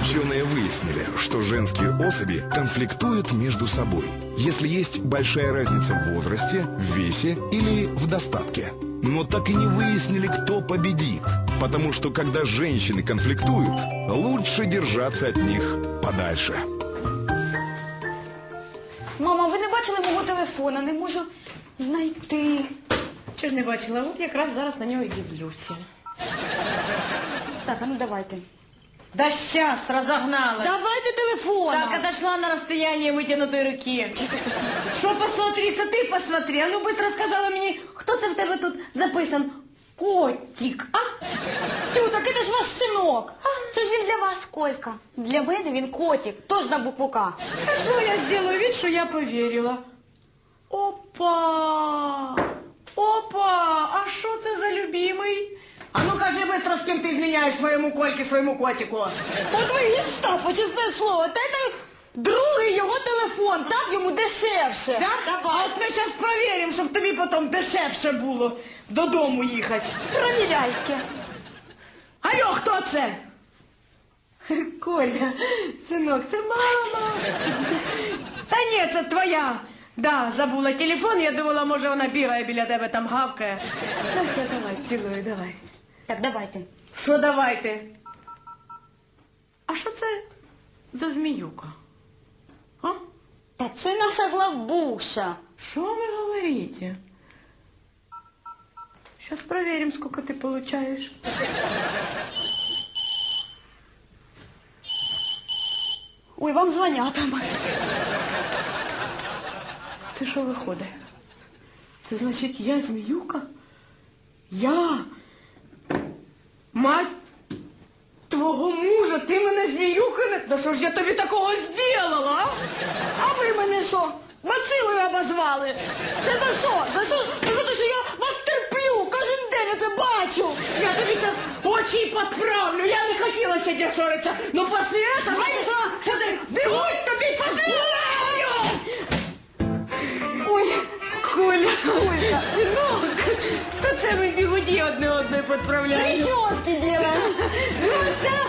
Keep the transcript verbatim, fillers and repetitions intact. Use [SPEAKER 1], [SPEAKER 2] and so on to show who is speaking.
[SPEAKER 1] Ученые выяснили, что женские особи конфликтуют между собой, если есть большая разница в возрасте, в весе или в достатке. Но так и не выяснили, кто победит, потому что когда женщины конфликтуют, лучше держаться от них подальше.
[SPEAKER 2] Мама, ви не бачили мого телефона? Не можу знайти.
[SPEAKER 3] Чого ж не бачила? От якраз зараз на нього і дивлюся.
[SPEAKER 2] Так, а ну давайте.
[SPEAKER 3] Да сейчас, разогналась.
[SPEAKER 2] Давайте телефон.
[SPEAKER 3] Так, отошла на расстояние вытянутой руки. Що посмотри, це ти посмотри. А ну быстро сказала мені, хто це в тебе тут записан? Котик, а?
[SPEAKER 2] Тю, так це ж ваш синок. Це ж він для вас, Колька. Для мене він котик, теж на букву К.
[SPEAKER 3] А що я сделаю вид, що я повірила? Опа! Опа! А що це за любимий? А ну кажи быстро, з ким ти зміняєш моєму Кольки, своєму котику.
[SPEAKER 2] От ви гестапо, чесне слово. Та це другий його телефон, так йому дешевше.
[SPEAKER 3] Да?
[SPEAKER 2] Давай.
[SPEAKER 3] А от ми зараз перевіримо, щоб тобі потім дешевше було додому їхати.
[SPEAKER 2] Провіряйте.
[SPEAKER 3] Алло, хто це? Коля, синок, це мама. Та ні, це твоя. Да, забула телефон, я думала, може вона бігає біля тебе, там гавкає. Ну все, давай, цілую, давай.
[SPEAKER 2] Так, давайте.
[SPEAKER 3] Що давайте? А що це за зміюка? А?
[SPEAKER 2] Та це наша главбуша.
[SPEAKER 3] Что вы говорите? Сейчас проверим, сколько ты получаешь.
[SPEAKER 2] Ой, вам дзвонять там.
[SPEAKER 3] Це що виходить? Це значить, я зміюка? Я? Мать твого мужа, ти мене зміюка не... Ну що ж я тобі такого зробила, а?
[SPEAKER 2] А ви мене що? Бацилою обозвали? Це за що? За що? За те, що я вас терплю, кожен день я це бачу.
[SPEAKER 3] Я тобі зараз очі підправлю, я не хотіла сьогодні ссоритися, но після цього...
[SPEAKER 2] Знаєш що?
[SPEAKER 3] Що ти? Бігуть тобі подивляю!
[SPEAKER 2] Ой,
[SPEAKER 3] Коля, Коля, синок, та це ми бігуді одне одне підправляємо.
[SPEAKER 2] прически делаем.
[SPEAKER 3] Ну, це